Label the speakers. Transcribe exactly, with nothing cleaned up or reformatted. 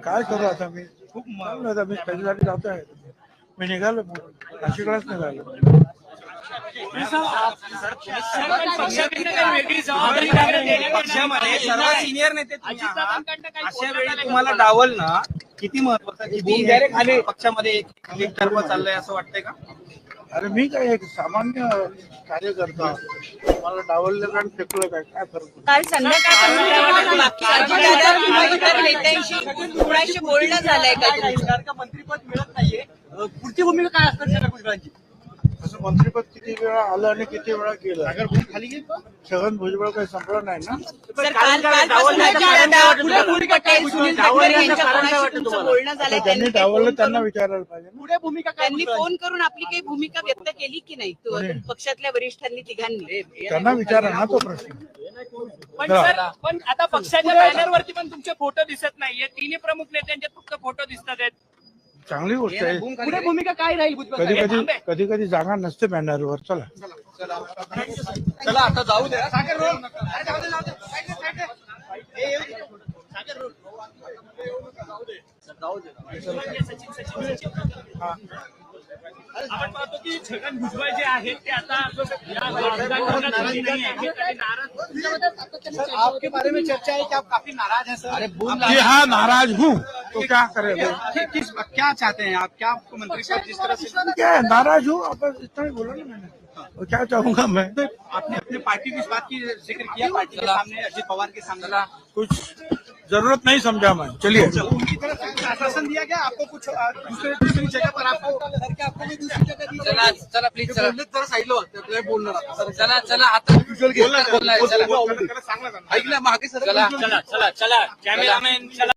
Speaker 1: काय करू आता मी खूप चालू आता मी त्याच्यासाठी जातो आहे मी निघालो नाशिकलाच निघालो.
Speaker 2: पक्षामध्ये सर्व सिनियर नेते अशा वेळी तुम्हाला डावल ना किती महत्वाचं पक्षामध्ये एक तर्फ चाललंय असं वाटतंय का?
Speaker 1: अरे मी काय एक सामान्य कार्यकर्ता मला डावललं कारण फेकलं काय काय फरक
Speaker 3: काल संध्याकाळपासून बाकी अजितदादा इतर नेत्यांशी कुणाशी बोलणं झालंय का?
Speaker 2: मंत्रीपद मिळत नाहीये, पुढची भूमिका काय असणार छगन भुजबळांची?
Speaker 1: असं मंत्रिपद किती वेळा आलं आणि किती वेळा केलं खाली छगन भुजबळ काही संपलं नाही ना.
Speaker 3: सर काल कालपासून अजितदादा पटेल सुनील तटकरे यांच्या कोणाशी तुमचं बोलणं झालंय?
Speaker 1: त्यांनी डावललं त्यांना विचारायला पाहिजे ना.
Speaker 2: पुढे भूमिका काय?
Speaker 3: त्यांनी फोन करून आपली काही भूमिका व्यक्त केली की नाही तू- पक्षातल्या वरिष्ठांनी तिघांनी?
Speaker 1: त्यांना विचारा ना तो प्रश्न.
Speaker 4: पण सर पण आता पक्षाच्या बॅनरवरती पण तुमचे फोटो दिसत नाहीये. तिन्ही प्रमुख नेत्यांचे फक्त फोटो दिसत आहेत.
Speaker 1: चांगली गोष्ट आहे.
Speaker 2: पुढे भूमिका काय राहील भुजबळ?
Speaker 1: कधी कधी कधी कधी जागा नसते बॅनरवर. चला
Speaker 2: चला आता जाऊ द्या. सागर रोड. अरे जाऊ दे, जाऊ दे. साईडला, साईडला. ए, येऊ दे. सागर रोड. जाऊ दे.
Speaker 4: सचिन सचिन सचिन आपण पाहतो की छगन भुजबळ जे आहेत ते आता या राजकारणात नाही आहेत आणि नाराज.
Speaker 2: सर, आपके बारे में चर्चा है कि आप काफी नाराज हैं सर. अरे
Speaker 1: कि हाँ नाराज हूँ तो क्या करेगा.
Speaker 2: किस क्या चाहते हैं आप? क्या आपको मंत्री पद जिस तरह से
Speaker 1: क्या है नाराज हूँ अब इतना ही बोला ना मैंने. और क्या चाहूंगा मैं.
Speaker 2: आपने अपने पार्टी की इस बात की जिक्र किया पार्टी के सामने, अजित पवार के सामने
Speaker 1: कुछ जरूरत नहीं समझा मैं. चलिए
Speaker 2: उनकी तरफ से आश्वासन दिया गया आपको कुछ अ, दूसरे दूसरी जगह पर आपको सर क्या आपको भी दूसरी जगह दी?
Speaker 5: चला चला प्लीज चला
Speaker 2: जरा साईडला होतं बोलणार
Speaker 5: चला चला आता बोलणार चला
Speaker 2: ऐकलं मागे सर
Speaker 5: चला
Speaker 4: चला चला चला कॅमेरामॅन चला.